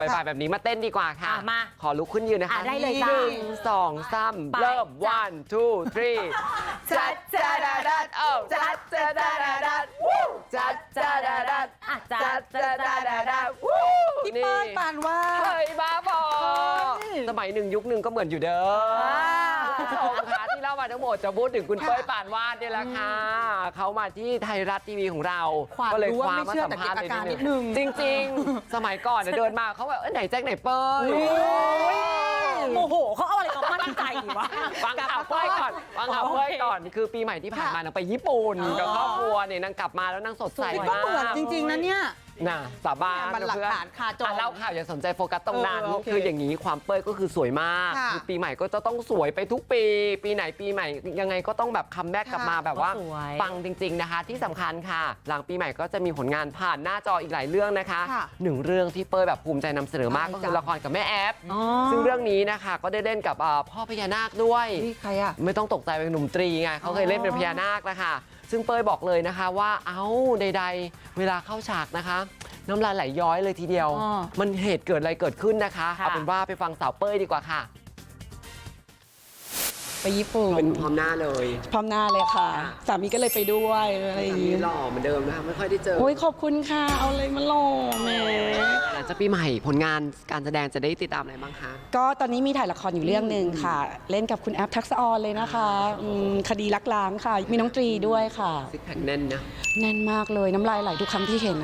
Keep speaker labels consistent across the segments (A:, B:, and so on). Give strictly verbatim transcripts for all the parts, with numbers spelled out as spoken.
A: บ่ายๆแบบนี้มาเต้นดีกว่าค่ะ
B: อ่ะมา
A: ขอลุกขึ้นยืนนะคะ
B: อ่ะได้เลยจ้ะ
A: หนึ่งสองสาม
B: ไป
A: เริ่ม
B: จ้ะ
A: one two three จัดจัดดัดดัดเอ้าจัดจัดดัดดัดดัดวู้จัดจัดดัดดัด
B: อ่ะจั
A: จั
B: ด
A: ดจัดดัดดัดดัดวู้
C: พี่เปิ้ลปานว่าด
A: เฮ้ยบ้าบอ
C: เฮ้ย
A: สมัยหนึ่งยุคหนึ่งก็เหมือนอยู่เด้อคุณผู้ชมคะที่เล่ามาทั้งหมดจะพูดถึงคุณเป้ยปานวาดเนี่ยแหละค่ะเขามาที่ไทยรัฐทีวีของเรา
C: ความ
A: ก็เลย
C: รู้
A: ค
C: ว่า
A: ว้า
C: ไม่
A: มา
C: เชื่อ
A: สัม
C: แต่
A: ภา
C: เก็
A: ษ
C: บ
A: ณ์
C: อา
A: เลย
C: การนิดนึง
A: จริง ๆ สมัยก่อนเนี่ยเดินมาเขาแบบเอ้ยไหนแจ็คไหนเป้ย
B: โมโหเขาเอาอะไรมามั่นใจวะ
A: ฟังข่าวเป้ยก่อนฟังข่าวเป้ยก่อนคือปีใหม่ที่ผ่านมานางไปญี่ปุ่นกับครอบครัวเนี่ยนางกลับมาแล้วนางสดใส
C: นี่ก็
A: มาก
C: เหมือนจริง ๆนะเนี่ย
A: น่ะสาบาน
C: มันหลัก
A: เพื่อน
C: ฐานคาจอ
A: อ่ะเล่าข่าวอย่าสนใจโฟกัสตรงนั้น
C: เออโอเค
A: คืออย่างนี้ความเป้ยก็คือสวยมาก
C: ค่ะ
A: คือปีใหม่ก็จะต้องสวยไปทุกปี ปีไหนปีใหม่ยังไงก็ต้องแบบคัมแบ็กกลับมาแบบว่า
B: สวย
A: ปังจริง ๆนะคะ ที่สำคัญค่ะ หลังปีใหม่ก็จะมีผลงานผ่านหน้าจออีกหลายเรื่องนะคะ
C: ค่ะ
A: หนึ่งเรื่องที่เป้ยแบบภูมิใจนำเสนอมาก
C: อะไร
A: ก็คือ
C: จ๊ะ
A: ละครกับแม่แอฟ
B: อ๋อ
A: ซึ่งเรื่องนี้นะคะก็ได้เล่นกับอ่าพ่อพญานาคด้วย
C: นี่ใครอ่ะ
A: ไม่ต้องตกใจเป็นหนุ่มตรีไงเขาเคยเล่นเป็นพญานาคนะคะซึ่งเป้ยบอกเลยนะคะว่าเอ้าใดๆ เวลาเข้าฉากนะคะ น้ำลายไหลย้อยเลยทีเดียว
C: อ๋อ
A: มันเหตุเกิดอะไรเกิดขึ้นนะคะ
B: ค่ะ
A: เอาเป็นว่าไปฟังสาวเป้ยดีกว่าค่ะ
D: ไปญี่ปุ่น
A: เป็นพร้อมหน้าเลย
D: พร้อมหน้าเลยค่ะ
A: ค่ะ
D: สามีก็เลยไปด้วยอะไรอย่าง
A: มี
D: งี้
A: หล่อเหมือนเดิมนะคะไม่ค่อยได้เจอ
D: โอ้ยขอบคุณค่ะ เอาเลยมาหล่อแหม
A: หลังจากปีใหม่ผลงานการแสดงจะได้ติดตามอะไรบ้างคะ
D: ก็ตอนนี้มีถ่ายละครอยู่เรื่องหนึ่งค่ะ เล่นกับคุณแอฟทักษะออนเลยนะคะอืมคดีลักล้างค่ะ มีน้องตรีด้วยค่ะ
A: ซิกแพคแน่นนะ
D: แน่นมากเลยน้ำลายไหลทุกครั้งที่เห็นนะ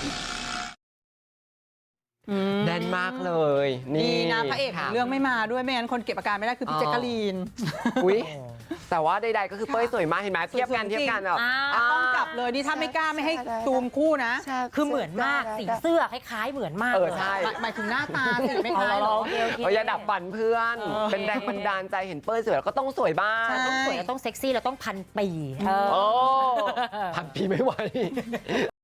A: แน่นมากเลย
C: ดี
A: นี่
C: นะพระเอกข
A: ค่
C: องเรื่องไม่มาด้วยไม่งั้นคนเก็บอาการไม่ได้คือพี่
A: อ๋อ
C: แจ๊กกะลีน
A: อุ๊ยแต่ว่าใดๆก็คือเป้ยสวยมากเห็นไหมเทียบกันเทียบกันแบบ
B: อ่า
C: ต้องจับเลยนี่ถ้าไม่กล้าไม่ให้ซูมคู่นะ
B: คือเหมือนมากสีเสื้อคล้ายๆเหมือนมาก
A: เออ
B: ลย
A: ใช่
C: หมายหมายถึงหน้าตาสิไม่คล้ายหรอ
B: โอเคโอเค
A: เอออย่าดับฝันเพื่อน
C: เออ
A: เป็นแรงบันดาลใจเห็นเป้ยสวยแล้วก็ต้องสวยบ้าง
C: ใช่
B: ต้องสวยแล้วต้องเซ็กซี่แล้วต้องพันปีเออ
A: โอ้พันปีไม่ไหว